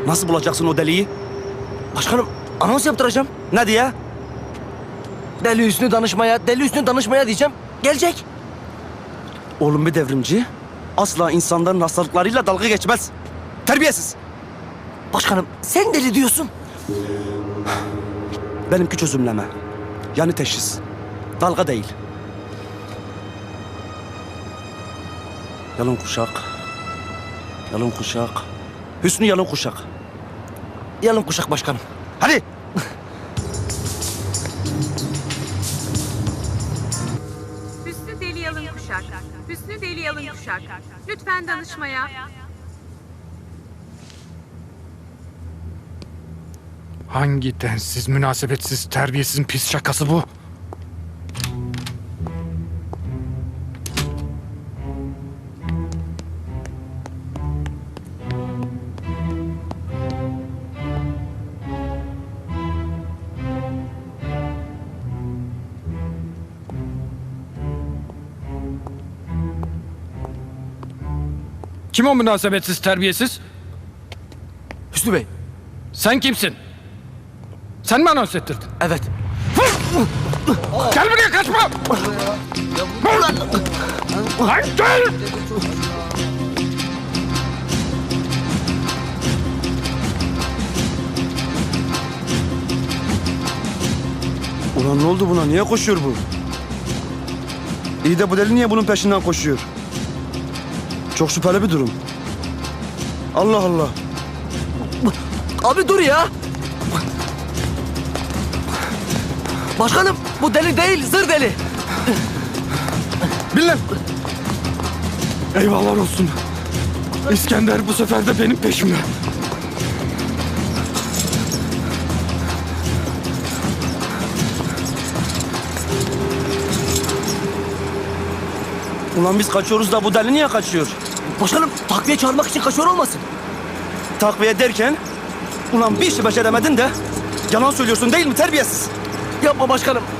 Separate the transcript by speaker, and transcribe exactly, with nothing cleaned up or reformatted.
Speaker 1: Nasıl bulacaksın o deliği?
Speaker 2: Başkanım anons yaptıracağım.
Speaker 1: Ne diye?
Speaker 2: Deli Hüsnü danışmaya, Deli Hüsnü danışmaya diyeceğim. Gelecek.
Speaker 1: Oğlum bir devrimci asla insanların hastalıklarıyla dalga geçmez. Terbiyesiz.
Speaker 2: Başkanım sen deli diyorsun.
Speaker 1: Benimki çözümleme. Yani teşhis. Dalga değil. Yalın kuşak. Yalın kuşak. Hüsnü yalın kuşak.
Speaker 2: Yalın kuşak başkanım.
Speaker 1: Hadi.
Speaker 3: Hüsnü Deli Yalın Kuşak. Hüsnü Deli Yalın Kuşak. Lütfen danışmaya.
Speaker 4: Hangi densiz, münasebetsiz, terbiyesiz pis şakası bu? Kim o münasebetsiz, terbiyesiz?
Speaker 2: Hüsnü Bey.
Speaker 4: Sen kimsin? Sen mi anons ettirdin?
Speaker 2: Evet.
Speaker 4: Gel buraya, kaçma! Lan gel!
Speaker 1: Ulan ne oldu buna? Niye koşuyor bu? İyi de bu deli niye bunun peşinden koşuyor? Çok şüpheli bir durum. Allah Allah.
Speaker 2: Abi dur ya. Başkanım bu deli değil, zır deli.
Speaker 4: Bin lan! Eyvallah olsun. İskender bu sefer de benim peşimde.
Speaker 1: Ulan biz kaçıyoruz da bu deli niye kaçıyor?
Speaker 2: Başkanım takviye çağırmak için kaçıyor olmasın?
Speaker 1: Takviye derken... Ulan bir işi beceremedin de... Yalan söylüyorsun değil mi terbiyesiz?
Speaker 2: Yapma başkanım.